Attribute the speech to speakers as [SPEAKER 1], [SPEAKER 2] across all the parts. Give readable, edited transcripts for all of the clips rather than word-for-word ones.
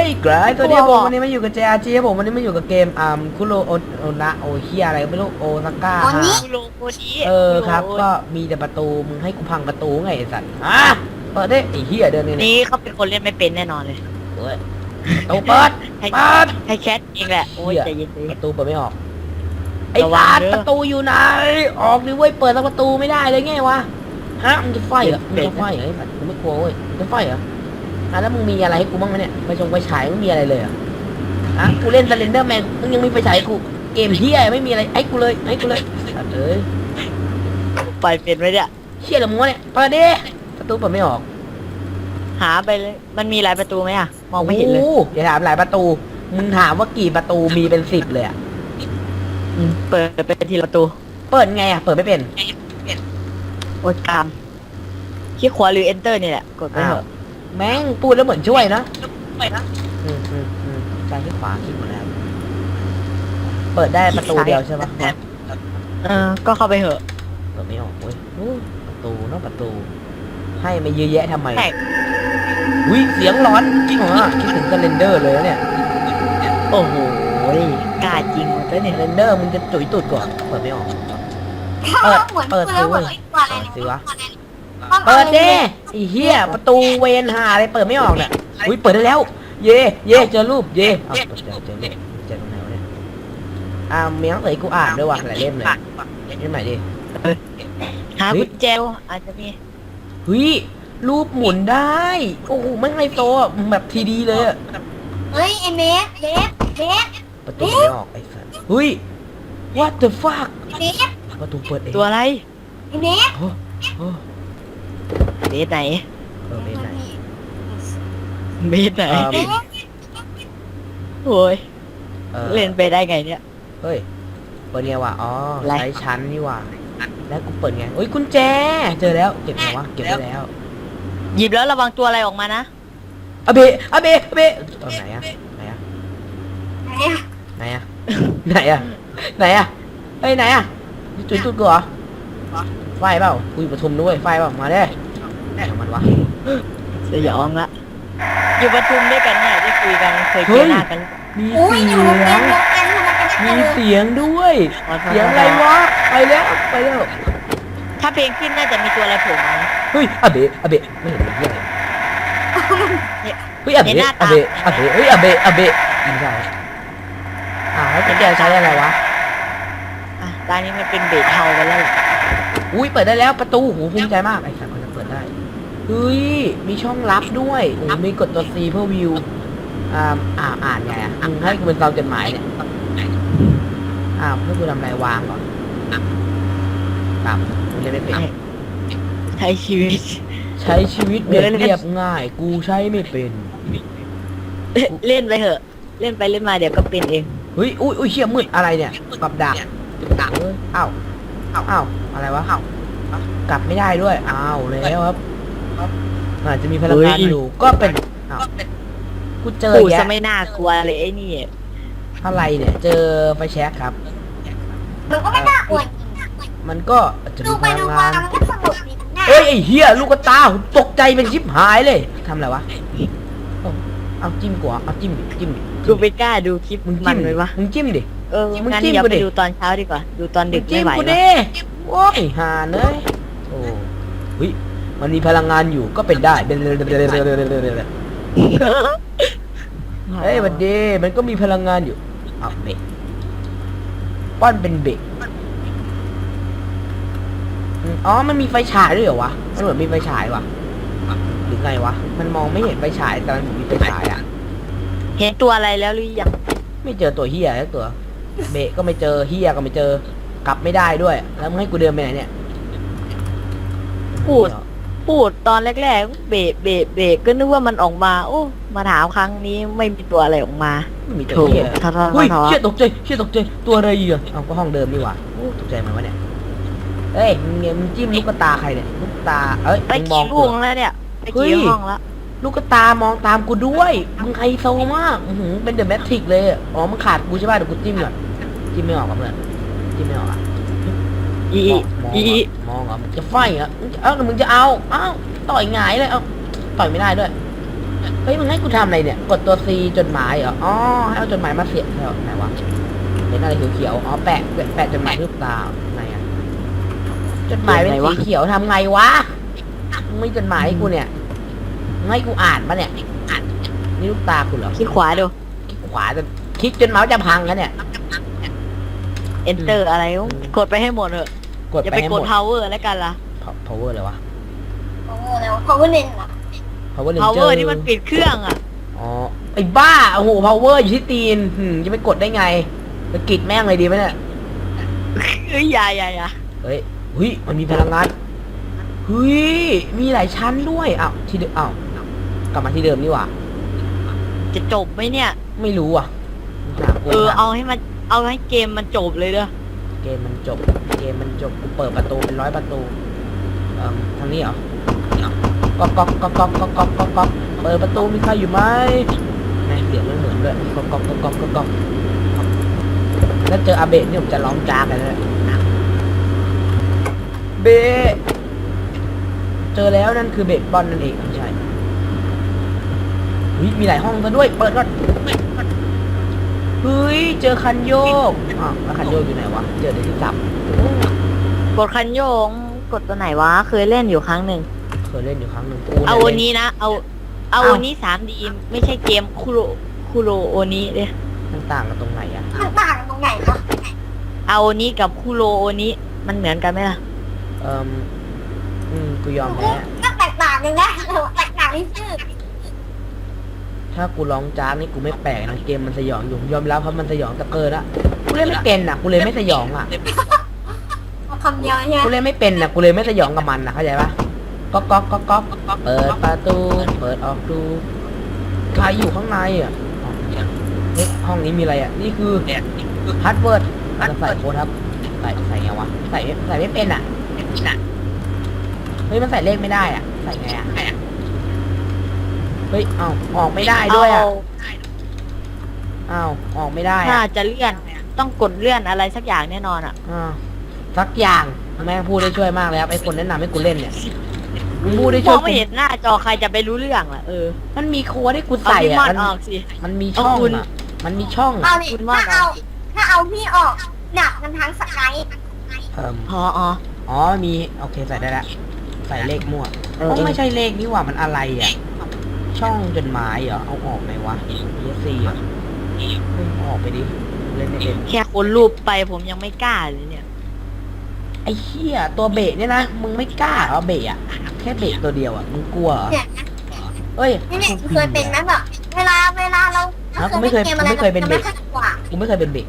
[SPEAKER 1] กลายตัวเดียวผมวันนี้มาอยู่กับ JRG ครับผมวันนี้มาอยู่กับเกมคุโรโอนะโอเฮียอะไรไม่รู้โอซาก้า
[SPEAKER 2] โลโกดี
[SPEAKER 1] ครับก็มีแต่ประตูมึงให้กูพังประตูไงไอ้สัตว์เปิดได้ไอ้เฮียเดิน
[SPEAKER 2] นี่เขาเป็นคนเล่นไม่เป็นแน่นอนเลย
[SPEAKER 1] เฮ้ยประตูเปิด
[SPEAKER 2] ให้แคทเองแหละโอ้ยใจเย็น
[SPEAKER 1] ประตูเปิดไม่ออกไอ้
[SPEAKER 2] ระวัง
[SPEAKER 1] สัตว์
[SPEAKER 2] เด้อ
[SPEAKER 1] ประตูอยู่ไหนออกดิเว้ยเปิดแล้วประตูไม่ได้เลยไงวะฮะมึงจะไฟเหรอมึงจะไฟเหรอไอ้สัตว์มึงไม่กลัวเว้ยมึงจะไฟเหรอแล้วมึงมีอะไรให้กูบ้างไหมเนี่ยไปฉายไม่มีอะไรเลยกูเล่นสเลนเดอร์แมนมึงยังมีไฟฉายกูเกมเฮียไม่มีอะไรให้กูเลยสัตว์เอ้ย
[SPEAKER 2] ไปเป็นไหมเนี่ย
[SPEAKER 1] เฮียอะไรมึงวะเนี่ยเปิดดิประตูเปิดไม่ออก
[SPEAKER 2] หาไปเลยมันมีหลายประตูไหมอะมองไม่เห็นเลย
[SPEAKER 1] อย่าถามหลายประตูมึงถามว่ากี่ประตูมีเป็น10เลยอะ
[SPEAKER 2] เปิดไปทีละประตู
[SPEAKER 1] เปิดไงอะเปิดไม่เป็น
[SPEAKER 2] โอ้ยกามคลิกขวาหรือ enter นี่แหละกดไปเถอะ
[SPEAKER 1] แม่งพูดแล้วเหมือนช่วยนะซ้ายที่ขวาคลิกหมดแล้วเปิดได้ประตูเดียวใช่ปะ
[SPEAKER 2] ก็เข้าไปเถอะ
[SPEAKER 1] เปิดไม่ออกเว้ยประตูเนาะประตู ให้มาเยอะแยะทำไมอุ้ยเสียงร้อนจริงเหรอคิดถึงสเลนเดอร์เลยนะเนี่ย
[SPEAKER 2] โอ้โหกล้าจริงหมดเลยเนี่ย
[SPEAKER 1] สเลนเดอร์มึงจะจุ๋ยตุดก่อนเปิดไม่ออกเปิดสิเว้ยสิวะเปิดดิไอ้เหี้ยประตูเวนหาอะไรเปิดไม่ออกเนี่ยอุ้ยเปิดได้แล้ว เย่เจอรูปเย่เอาเจอรูปเจอตรงไหนวะเนี่ยมีหนังสือกูอ่านด้วยว่ะหลายเล่มเลยเล่มไหนดิ
[SPEAKER 2] หากุญแจอาจจะมี
[SPEAKER 1] เฮ้ยรูปหมุนได้โอ้โหไม่ไฮโซอ่ะแบบทีดีเลยอ่ะ
[SPEAKER 3] เฮ้ยไอเมฟ
[SPEAKER 1] ประตูไม่ออกไอ้สัสเฮ้ย what the fuck
[SPEAKER 3] เมฟ
[SPEAKER 1] ประตูเปิดเอง
[SPEAKER 2] ตัวอะไร
[SPEAKER 3] ไอเมฟ
[SPEAKER 1] โอ้โห
[SPEAKER 2] เบสไหน
[SPEAKER 1] เบสไหน
[SPEAKER 2] เบสไหนโอ้ยเล่นไปได้ไงเนี่ย
[SPEAKER 1] เฮ้ยเปิดไงวะอ๋อ
[SPEAKER 2] อะไร
[SPEAKER 1] ใช้ชั้นนี่ว่ะแล้วกูเปิดไงเฮ้ยกุญแจเจอแล้วเก็บไงวะเก็บได้แล้ว
[SPEAKER 2] หยิบแล้วระวังตัวอะไรออกมานะ
[SPEAKER 1] อะเบตอนไหนอะไหนอะเฮ้ยไหนอะจุดกูเหรอไฟเปล่าคุยปทุมด้วยไฟเปล่ามาได้มันวะ
[SPEAKER 2] สยองละอยู่ประชุมด้วยกันเนี่ยได้คุยกันเคยเจอหน้ากัน
[SPEAKER 1] มี
[SPEAKER 3] อุ้ย
[SPEAKER 1] เสี
[SPEAKER 3] อยู่
[SPEAKER 1] ย
[SPEAKER 3] กัน
[SPEAKER 1] ง มีเสียงด้วย
[SPEAKER 2] อ๋อ
[SPEAKER 1] เสียงอะไรวะไปแล้ว
[SPEAKER 2] ถ้าเพลงขึ้นน่าจะมีตัวอะไรโผล่มา
[SPEAKER 1] เฮ้ยอะเบะไม่เห็นเหี้ยอะไรเฮ้ยอะเบะเฮ้ยอะเบะไม่ใช่แล้วแกใช้อะไรวะ
[SPEAKER 2] อ่ะตอนนี้มันเป็นเบสเทาไปแล้วแหละ
[SPEAKER 1] อุ้ยเปิดได้แล้วประตูโหภูมิใจมากไอ้สัตว์มันจะเปิดได้เฮ้ยมีช่องลับด้วยโอ้มีกดตัว C เพื่อวิวอ่านไงให้กูเป็นตามจดหมายเนี่ยเพื่อกูทำอะไรวางก่อนกูจะได้เป็น
[SPEAKER 2] ใช้ชีวิต
[SPEAKER 1] ใช้ชีวิตเรียบง่าย กูใช้ไม่เป็น
[SPEAKER 2] เล่นไปเถอะ เล่นไปเล่นมาเดี๋ยวก็เป็นเอง
[SPEAKER 1] เฮ้ยอุ้ยเชี่ยมืดอะไรเนี่ยกับดักอ้าวอะไรวะกลับไม่ได้ด้วยอ้าวแล้วครับอาจจะมีพลังงานอยู่ก็เป็นกูเจอ
[SPEAKER 2] ปู่
[SPEAKER 1] แยะ
[SPEAKER 2] จะไม่น่ากลัวเลยไอ้นี่
[SPEAKER 1] อะไรเนี่ยเจอไฟแช็กครับ
[SPEAKER 3] มันก็ไม่น่าอวด
[SPEAKER 1] มันก็อาจจะ
[SPEAKER 3] ดู
[SPEAKER 1] มีพ
[SPEAKER 3] ไป
[SPEAKER 1] ลั
[SPEAKER 3] ดู
[SPEAKER 1] ง
[SPEAKER 3] มาง
[SPEAKER 1] าน
[SPEAKER 3] มันก็สนุกดีนะ
[SPEAKER 1] เฮ้ยไอ้เหี้ยลูกตาตกใจเป็นชิบหายเลยทำอะไรวะเอาจิ้มกว่าเอาจิ้มดิ
[SPEAKER 2] กูไปกล้าดูคลิป
[SPEAKER 1] มึง
[SPEAKER 2] มั
[SPEAKER 1] จิ้
[SPEAKER 2] น
[SPEAKER 1] ม
[SPEAKER 2] เลยวะ
[SPEAKER 1] มึงจิ้มดิ มึง
[SPEAKER 2] งั้น
[SPEAKER 1] จิ้ม
[SPEAKER 2] เดี๋ยว
[SPEAKER 1] กู
[SPEAKER 2] ไป
[SPEAKER 1] ดิ
[SPEAKER 2] ดูตอนเช้าดีกว่า ดูตอนดึก
[SPEAKER 1] จิ้
[SPEAKER 2] ไม่
[SPEAKER 1] ม
[SPEAKER 2] ไหว
[SPEAKER 1] กู
[SPEAKER 2] แล้ว
[SPEAKER 1] ดิโว้ยหาเนยโอ้เฮ้ยมันมีพลังงานอยู่ก็เป็นได้เฮ้ยบัดดีมันก็มีพลังงานอยู่เบรกป้อนเป็นเบรกอ๋อมันมีไฟฉายด้วยเหรอวะมันเหมือนมีไฟฉายวะหรือไงวะมันมองไม่เห็นไฟฉายแต่มันมีไฟฉายอ่ะ
[SPEAKER 2] เห็นตัวอะไรแล้วหรือยัง
[SPEAKER 1] ไม่เจอตัวเฮียแล้วตัวเบะก็ไม่เจอเฮียก็ไม่เจอกลับไม่ได้ด้วยแล้วมึงให้กูเดินไปไหนเนี่ย
[SPEAKER 2] พูดตอนแรกๆเบะก็นึกว่ามันออกมา โอ้มาถามครั้งนี้ไม่มีตัวอะไรออกมา
[SPEAKER 1] ไม่มีตัวเฮีย
[SPEAKER 2] ท้อ
[SPEAKER 1] เฮ้ยเชี่ยตกใจตัวอะไรอ่ะเอาก็ห้องเดิมนี่หว่าตกใจมันวะเนี่ยเอ้ยมึงจิ้มลูกตาใครเนี่ยลูกตา
[SPEAKER 2] ไปกี่ห้องแล้วเนี่ยไปกี่ห้องแล้ว
[SPEAKER 1] ลูกตามองตามกูด้วยมึงไฮโซมากเป็นเดอะแมทริกเลยอ๋อมึงขาดกูใช่ป่ะเดี๋ยวกูจิ้มก่อนจิ้มไม่ออกกับเพื่อนจิ้มไม่ออกอ่ะมองอ่ะจะไฟอ่ะมึงจะเอาต่อยหงายเลยต่อยไม่ได้ด้วยเฮ้ยมึงให้กูทำอะไรเนี่ยกดตัว C จดหมายเหรออ๋อให้เอาจดหมายมาเสียบเหรอไหนวะเห็นอะไรเขียวๆอ๋อแปะจดหมายรูปตาไหนอะจดหมายเป็นสีเขียวทำไงวะมึงไม่จดหมายให้กูเนี่ยมึงให้กูอ่านปะเนี่ยนี่รูปตากูเหรอ
[SPEAKER 2] คลิกขวาดู
[SPEAKER 1] คลิกขวาจะคลิกจนเมาส์จะพังแล้วเนี่ย
[SPEAKER 2] enter อะไรกดไปให้หมดเถอะ
[SPEAKER 1] กด
[SPEAKER 2] อย่า
[SPEAKER 1] ไป
[SPEAKER 2] ไป
[SPEAKER 1] ให้
[SPEAKER 2] ก
[SPEAKER 1] หม
[SPEAKER 2] ด
[SPEAKER 1] ด
[SPEAKER 2] power แล้วกันล่ะ
[SPEAKER 1] power เลยวะ
[SPEAKER 3] โอ้โหแล้วเขาก็เน้นเหรอ
[SPEAKER 1] power ranger
[SPEAKER 2] power นี่มันปิดเครื่องอ่ะ
[SPEAKER 1] อ๋อไอ้บ้าโอ้โห power อยู่ที่ตีนจะไปกดได้ไงไปกรีดแม่งเลยดีไหมเนี่ย
[SPEAKER 2] เอ้ยอย่า
[SPEAKER 1] เฮ้ยมันมีพลังงานเฮ้ยมีหลายชั้นด้วยอ้าวที่เดิมอ้าวกลับมาที่เดิมนี่หว่า
[SPEAKER 2] จะจบไหมเนี่ย
[SPEAKER 1] ไม่รู้อ่ะหากู
[SPEAKER 2] เอาให้เกมมันจบเลยเด้อ
[SPEAKER 1] เกมมันจบกูเปิดประตูเป็น100 ประตูทางนี้เหรอก๊อกเปิดประตูมีใครอยู่ไหมแม่งเสียงมันเหมือนด้วยก๊อกแล้วเจออาเบะนี่ผมจะร้องจากเลยนะเบะเจอแล้วนั่นคือเบะบอลนั่นเองไม่ใช่มีหลายห้องซะด้วยเปิดก่อนเฮ้ยเจอคันโยกแล้วคันโยกอยู่ไหนวะเจอในที่จับ
[SPEAKER 2] กดคันโยงกดตัวไหนวะเคยเล่นอยู่ครั้งหนึ่ง
[SPEAKER 1] เคยเล่นอยู่ครั้งหนึ่ง
[SPEAKER 2] เอาวันนี้นะเอาวันนี้ 3D ไม่ใช่เกมคุโรโอนี้เด้
[SPEAKER 1] มันต่างกันตรงไหนอะ
[SPEAKER 3] มันต่างกันตรงไหนคะ
[SPEAKER 2] เอาวันนี้กับคุโรโอนี้มันเหมือนกันไหมล่ะ
[SPEAKER 1] กูยอมแพ้
[SPEAKER 3] ก็แตกต่างกันนะแตกต่างที่ชื่อ
[SPEAKER 1] ถ้ากูร้องจ้านี่กูไม่แปลกนะเกมมันสยองอยู่ยอมรับเพราะมันสยองแต่เกินละกูเล่นไม่เป็นอ่ะกูเลยไม่สยองอ่ะ
[SPEAKER 3] เอาคำเดียวใช่ไหม
[SPEAKER 1] กูเล่นไม่เป็นอ่ะกูเลยไม่สยองกับมันนะเข้าใจปะก๊อกเปิดประตูเปิดออกดูใครอยู่ข้างในอ่ะเฮ้ยห้องนี้มีอะไรอ่ะนี่คือพาสเวิร์ดจะใส่โค้ดครับใส่ไงวะใส่ไม่เป็นอ่ะเฮ้ยมันใส่เลขไม่ได้อ่ะใส่ไงอ่ะเฮ้ยออกไม่ได้ด้วยอ่ะออกไม่ได้
[SPEAKER 2] ถ้า
[SPEAKER 1] อ่ะ
[SPEAKER 2] จะเลื่อนต้องกดเลื่อนอะไรสักอย่างแน่นอนอ่ะ
[SPEAKER 1] สักอย่างแม่งพูดได้ช่วยมากเลยครับไอ้คนแนะนำให้กูเล่นเนี่ยมึงพูดได้
[SPEAKER 2] ม
[SPEAKER 1] ช่ว
[SPEAKER 2] อย งไม่เห็นหน้าจอใครจะไปรู้เรื่องล่ะ
[SPEAKER 1] มันมีโค้ดให้กู
[SPEAKER 2] เอา
[SPEAKER 1] ใส่
[SPEAKER 2] ที่มอ
[SPEAKER 1] อ่ะ
[SPEAKER 2] ดออกสิ
[SPEAKER 1] มันมีช่อง
[SPEAKER 2] เอาคุณ
[SPEAKER 1] อ่ะมันมีช่อง
[SPEAKER 3] เอา
[SPEAKER 1] อ่ะ
[SPEAKER 3] ดิ
[SPEAKER 2] คุณว่า
[SPEAKER 3] ถ้าเอาพี่ออกหนักกันทั้งสกาย
[SPEAKER 2] อ๋อ
[SPEAKER 1] มีโอเคใส่ได้แล้วใส่เลขมั่วไม่ใช่เลขนี่หว่ามันอะไรอ่ะช่องจดหมายเหรอเอาออกไหมวะ ESC เหรอเอาออกไปดิเล่นไม่เป็น
[SPEAKER 2] แค่คนรูปไปผมยังไม่กล้าเลยเนี่ย
[SPEAKER 1] ไอ้เหี้ยตัวเบะเนี่ยนะมึงไม่กล้าเหรอเบะอ่ะแค่เบะตัวเดียวอ่ะมึงกลัวเหรอ
[SPEAKER 3] เนี่ย
[SPEAKER 1] เอ้ย
[SPEAKER 3] นี่เคยเป็นไหมแบบเวลาเรา
[SPEAKER 1] กูไม่เคยเป็นเด็ก
[SPEAKER 3] ไม่ค่อยกว่า
[SPEAKER 1] กูไม่เคยเป็นเบะ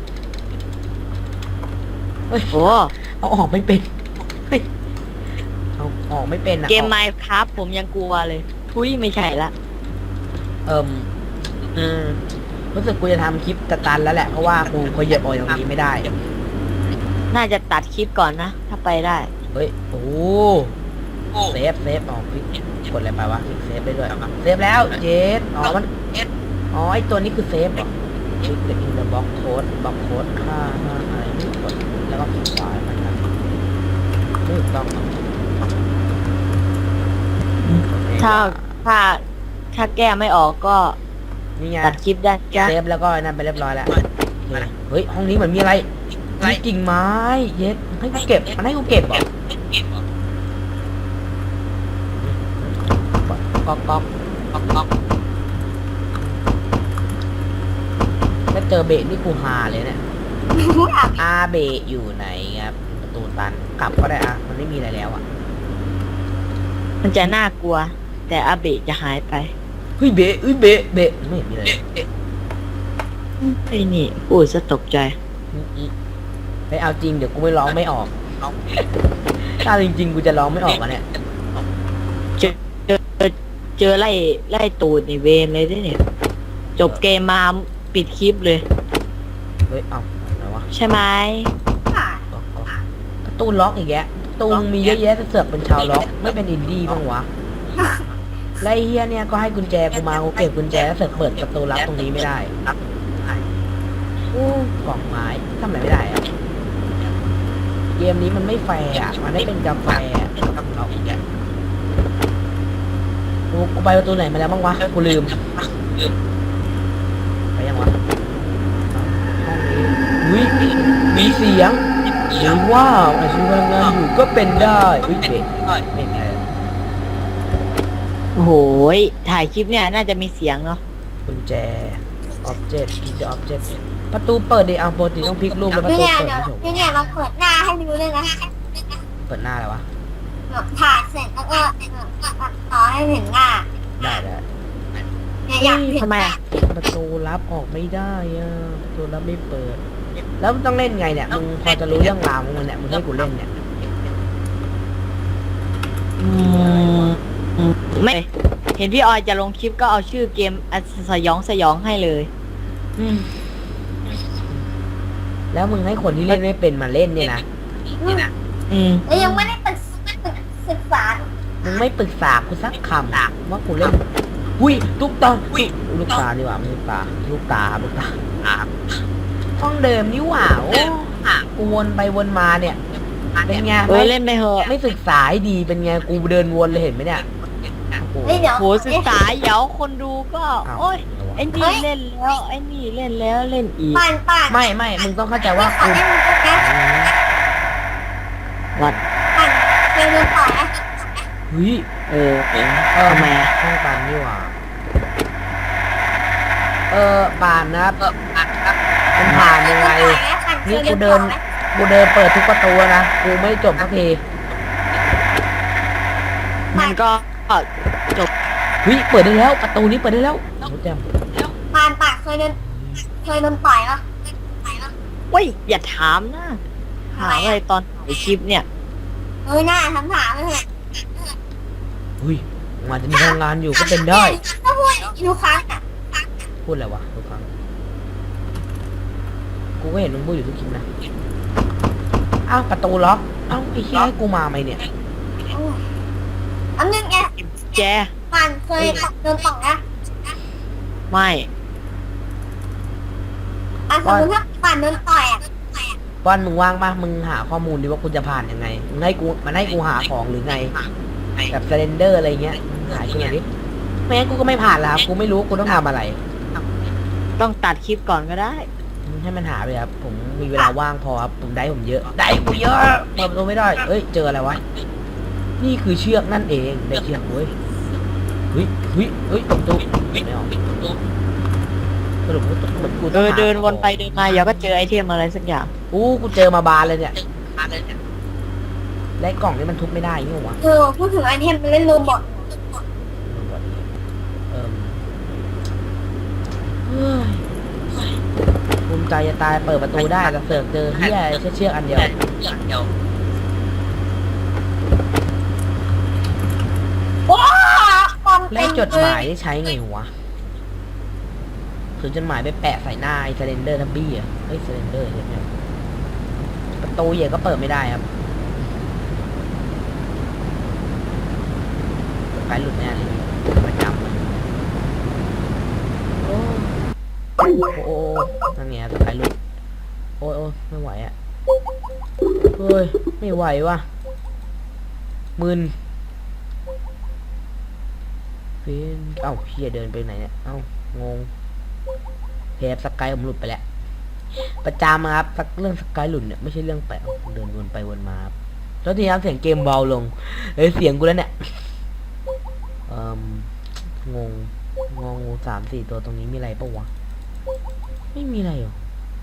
[SPEAKER 1] เฮ้ย
[SPEAKER 2] โอ้
[SPEAKER 1] เอาออกไม่เป็นเฮ้ยเอาออกไม่เป็นอ่ะ
[SPEAKER 2] เกม Minecraft ผมยังกลัวเลยทุยไม่ใช่ละ
[SPEAKER 1] รู้สึกกูจะทำคลิปตันแล้วแหละเพราะว่ากูพอเหยียบออกอย่างนี้ไม่ได้
[SPEAKER 2] น่าจะตัดคลิปก่อนนะ ถ้าไปได้
[SPEAKER 1] เฮ้ยโอ้เซฟออกคลิกกดอะไรไปวะคลิกเซฟได้ด้วยเซฟแล้วเจสมันไอตัวนี้คือเซฟเหรอคลิกอินเดอะบล็อกโค้ดค่าอะไรไม่กดแล้วก็คลิกขวามันนะไม่ถูกต้อง
[SPEAKER 2] ถ้าแก้ไม่ออกก็
[SPEAKER 1] นี่ไง
[SPEAKER 2] ตัดคลิปได้จ้ะ
[SPEAKER 1] เซฟแล้วก็นั่นไปเรียบร้อยแล้วเฮ้ยห้องนี้เหมือนมีอะไรมีกิ่งไม้เย็ดให้กูเก็บมันให้กูเก็บเหรอก๊อกถ้าเจอเบะนี่กูฮาเลยเนี่ยอาเบะอยู่ไหนครับประตูตันกลับก็ได้อะมันไม่มีอะไรแล้วอะ
[SPEAKER 2] มันจะน่ากลัว แต่อาเบะจะหายไป
[SPEAKER 1] เฮ้ยเบะไม่เห็นมีอะไรเลย
[SPEAKER 2] ไอ้นี่โอ้ยจะตกใจ
[SPEAKER 1] ไม่เอาจริงเดี๋ยวกูไม่ร้องไม่ออกถ้าจริงๆกูจะร้องไม่ออกอะเนี่ย
[SPEAKER 2] เจอไล่ตูดในเวรเลยด้วยเนี่ย จบเกมมาปิดคลิปเลย
[SPEAKER 1] เฮ้ยเอาอะไรวะ
[SPEAKER 2] ใช่ไหม
[SPEAKER 1] การ์ตูนล็อกอีกแยะตูนมีเยอะแยะจะเสือกเป็นชาวล็อกไม่เป็นอินดี้บ้างวะไล่เฮียเนี่ยก็ให้กุญแจกูมากูเก็บกุญแจแล้วเสือกเปิดประตูลับตรงนี้ไม่ได้กล่องไม้ทำอะไรไม่ได้อะเกมนี้มันไม่แฟร์อะมันไม่เป็นกาแฟกับเราอีกแกโอ้กูไปประตูไหนมาแล้วบ้างวะกูลืมไปยังวะห้องนี้อุ้ยมีเสียงหรือว่าอาชีพพลังงานอยู่ก็เป็นได้อุ้ยเด็กเป็นไง
[SPEAKER 2] โอ้โหยถ่ายคลิปเนี่ยน่าจะมีเสียงเนาะ
[SPEAKER 1] กุญแจ object กุญแจ object ประตูเปิดดิปกติต้องพลิกรูปแล้วประตู
[SPEAKER 3] เนี่ย
[SPEAKER 1] เปิด
[SPEAKER 3] เดี๋ยว
[SPEAKER 1] ไม่ใช่
[SPEAKER 3] เนี่ยเราเปิดหน้าให้ดูเลยนะ
[SPEAKER 1] เปิดหน้าแล้ววะ
[SPEAKER 3] ถ่ายเสร็จแล้วก็ตัดต่อให้เห็นหน้า
[SPEAKER 1] ได้
[SPEAKER 3] เนี่ยอยากเห็น
[SPEAKER 2] ทำไม
[SPEAKER 3] หน้า
[SPEAKER 2] อ่ะ
[SPEAKER 1] ประตูลับออกไม่ได้อะประตูลับไม่เปิด แล้วมันต้องเล่นไงเนี่ยมึงพอจะรู้เรื่องราวของมันเนี่ยมึงให้กูเล่นเนี่ย
[SPEAKER 2] ไม่เห็นพี่ออยจะลงคลิปก็เอาชื่อเกมสยองให้เลย
[SPEAKER 1] แล้วมึงให้คนที่เล่นไม่เป็นมาเล่นเนี่ยนะ
[SPEAKER 3] แล้วยังไม่ได้ศึกษา
[SPEAKER 1] มึงไม่ปรึกษากูสักคำว่ากูเล่นอุ้ยลูกตาลูกตาดีกว่าไม่ใช่ตาลูกตาครับลูกตาห้องเดิมนี่หว่าโอ้กูวนไปวนมาเนี่ยเป็นไง
[SPEAKER 2] เล่นไปเหอะ
[SPEAKER 1] ไม่ศึกษาให้ดีเป็นไงกูเดินวนเลยเห็นไหมเนี่ยโอ้โห
[SPEAKER 3] เฮ้ยเดี๋ยว
[SPEAKER 2] โหศึกษาเดี๋ยวคนดูก็
[SPEAKER 1] อ้าว
[SPEAKER 2] โอ้ยไอ้นี่เล่นแล้วไอ้นี่เล่นแล้วเล่นอีก
[SPEAKER 3] ป่าน
[SPEAKER 1] ไม่มึงต้องเข้าใจว่า
[SPEAKER 3] ขอ
[SPEAKER 1] กู
[SPEAKER 3] เล่นมึงนะ
[SPEAKER 2] วัด
[SPEAKER 3] ป่านเคยเดินต่อนะ
[SPEAKER 1] เฮ้ย
[SPEAKER 2] ทำไมอ่ะ
[SPEAKER 1] ห้องปันนี่หว่าปานนะครับมันผ่านยังไง นี่กูเดินเปิดทุกประตูนะกูไม่จบสักที
[SPEAKER 2] มันก็จบ
[SPEAKER 1] เฮ้ยเปิดได้แล้วประตูนี้เปิดได้แล้วรู้จัก
[SPEAKER 3] ป่านเคยเดินต่อยปะ
[SPEAKER 2] เว้ยอย่าถามนะถามอะไรตอนถ่ายคลิปเนี่ย
[SPEAKER 3] หน้าถามเลย
[SPEAKER 1] เฮ้ยมันจะมีพลังงานอยู่ก็เป็นได้
[SPEAKER 3] ก็พูดอยู่ครั้งอ่ะ
[SPEAKER 1] พูดอะไรวะทุกครั้งกูก็เห็นมึงพูดอยู่ทุกคลิปนะอ้าวประตูล็อกอ้าวไอ้เหี้ยให้กูมาไหมเนี่ย
[SPEAKER 3] อันนึงไง
[SPEAKER 2] แจ
[SPEAKER 3] ป่านเคยเดินต่อนะ
[SPEAKER 2] ไม่
[SPEAKER 3] สมมติถ้าป่านเดินต่อยอ่ะ
[SPEAKER 1] ป้อนมึงว่างปะมึงหาข้อมูลดิว่ากูจะผ่านยังไงมึงให้กูหาของหรือไงแบบเซเลนเดอร์อะไรเงี้ยหายกูหน่อยดิไม่งั้นกูก็ไม่ผ่านแล้วครับกูไม่รู้กูต้องทำอะไร
[SPEAKER 2] ต้องตัดคลิปก่อนก็ได้
[SPEAKER 1] ให้มันหาไปครับผมมีเวลาว่างพอครับผมได้ผมเยอะได้กูเยอะเปิดประตูไม่ได้เอ้ยเจออะไรวะนี่คือเชือกนั่นเองได้เชือกเว้ยเฮ้ยประตูไม่ออกสรุปกูต้องหา
[SPEAKER 2] เดินวนไปเดินมาเดี๋ยวก็เจอไอเทมอะไรสักอย่าง
[SPEAKER 1] กูเจอมาบานเลยเนี่ยและกล่องนี้มันทุบไม่ได้นี่หวะ
[SPEAKER 3] พูดถึงไอเทมมันเล่นโรบอท
[SPEAKER 1] เฮ้ยภูมิใจจะตายเปิดประตูได้แต่เสือกเจอเฮียเชือกอันเดียว
[SPEAKER 3] ว้าปอม
[SPEAKER 1] และจดหมายได้ใช้ไงวะคือจดหมายไปแปะใส่หน้าไอ้เซเลนเดอร์ทับบี้อ่ะเฮ้ยเซเลนเดอร์เนี่ยประตูเหย่ก็เปิดไม่ได้ครับไปหลุดแน่เลยประจำเลยโอ้นั่นไงสไปหลุดโอ้ไม่ไหวอ่ะเฮ้ยไม่ไหวว่ะมึนเป็นเอ้าเฮียเดินไปไหนเนี่ยเอ้างงเทปสกายผมหลุดไปแล้วประจำครับสักเรื่องสกายหลุดเนี่ยไม่ใช่เรื่องแปลกเดินวนไปวนมาครับแล้วทีนี้เสียงเกมเบาลงเสียงกูแล้วเนี่ยงง3-4 ตัวตรงนี้มีอะไรปะวะไม่มีอะไรหรอ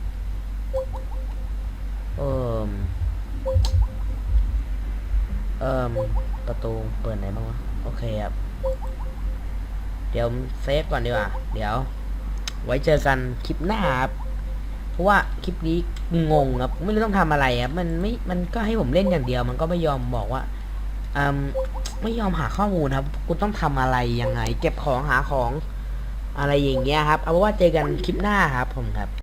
[SPEAKER 1] ประตูเปิดไหนบ้างวะโอเคครับเดี๋ยวเซฟก่อนดีกว่าเดี๋ยวไว้เจอกันคลิปหน้าครับเพราะว่าคลิปนี้งงครับไม่รู้ต้องทำอะไรครับมันก็ให้ผมเล่นอย่างเดียวมันก็ไม่ยอมบอกว่าไม่ยอมหาข้อมูลครับกูต้องทำอะไรยังไงเก็บของหาของอะไรอย่างเงี้ยครับเอาว่าเจอกันคลิปหน้าครับผมครับ